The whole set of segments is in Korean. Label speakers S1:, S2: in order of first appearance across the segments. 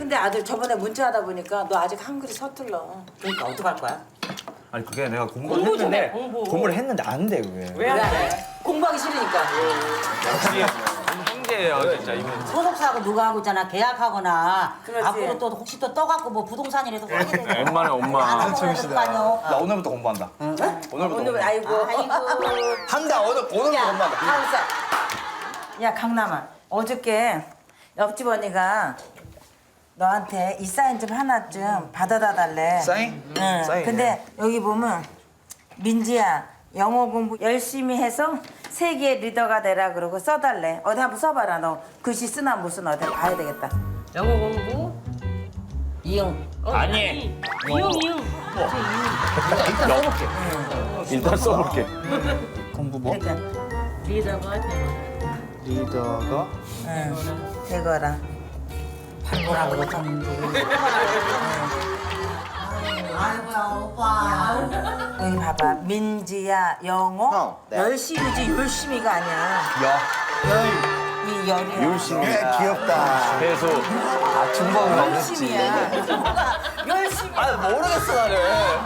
S1: 근데 아들 저번에 문자하다 보니까 너 아직 한글이 서툴러. 그러니까 어떡할 거야?
S2: 아니 그게 내가 공부를 했는데 공부를 했는데 안 돼 그게.
S1: 왜 안 해? 공부하기 싫으니까.
S2: 역시 형제예요 진짜 이건.
S3: 소속사하고 누가 하고 있잖아. 계약하거나
S1: 그렇지.
S3: 앞으로 또 혹시 또 떠갖고 뭐 부동산이라도 사게 되면
S2: 엄마네 엄마.
S3: 재밌다.
S4: 나 오늘부터 공부한다. 오늘부터
S1: 오늘 아이고.
S4: 한다. 오늘부터 공부한다.
S1: 강사. 야 강남아. 어저께 옆집 언니가 너한테 이 사인 좀 하나 좀 받아다 달래.
S4: 사인?
S1: 응.
S4: 사인.
S1: 근데 여기 보면 민지야 영어 공부 열심히 해서 세계 리더가 되라 그러고 써달래. 어디 한번 써봐라 너. 글씨 쓰나 못 쓰나 어디 봐야 되겠다.
S5: 영어 공부?
S1: 이응.
S2: 아니.
S5: 이응 이응.
S2: 일단 써볼게.
S4: 공부 뭐?
S1: 그러니까
S5: 리더가
S4: 리더가
S1: 응. 이거라. 발보라고 썼는데.
S3: 아이고야 오빠.
S1: 여기 봐봐. 민지야 영어
S4: 네.
S1: 열심히지 열심히가 아니야. 이 열이야.
S4: 열심히야. 귀엽다.
S2: 해수.
S4: 아 중국어
S1: 열심히야. 열심히.
S4: 아 모르겠어 나는.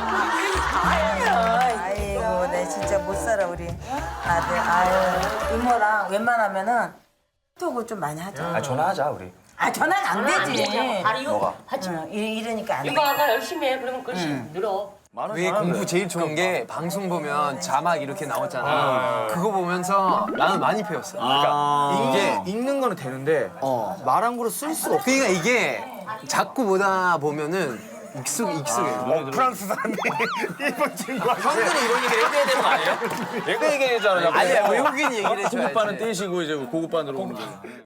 S1: 아이고 내 진짜 못 살아 우리 아들. 아유 이모랑 웬만하면은 톡을 좀 많이 하자.
S2: 아 전화하자 우리.
S1: 아 전화는 안 되지.
S5: 아 이거 하지.
S1: 응, 이러니까 안 돼.
S5: 이거 아까 열심히 해. 그러면 글씨 늘어.
S6: 위에 공부 제일 좋은 게 방송 보면 자막 이렇게 나오잖아. 그거 보면서 나는 많이 배웠어. 그러니까
S2: 이게 읽는 거는 되는데 말한 거로 쓸 수가 없어.
S6: 그러니까 이게 자꾸 보다 보면은 익숙해.
S4: 프랑스 사람이 일본 친구한테.
S2: 형들이 이런 얘기 해줘야 되는 거 아니에요? 얘가 얘기해잖아요.
S6: 아니야 외국인 얘기를 해줘야지.
S2: 고급반은 떼시고 이제 고급반으로 오는 거.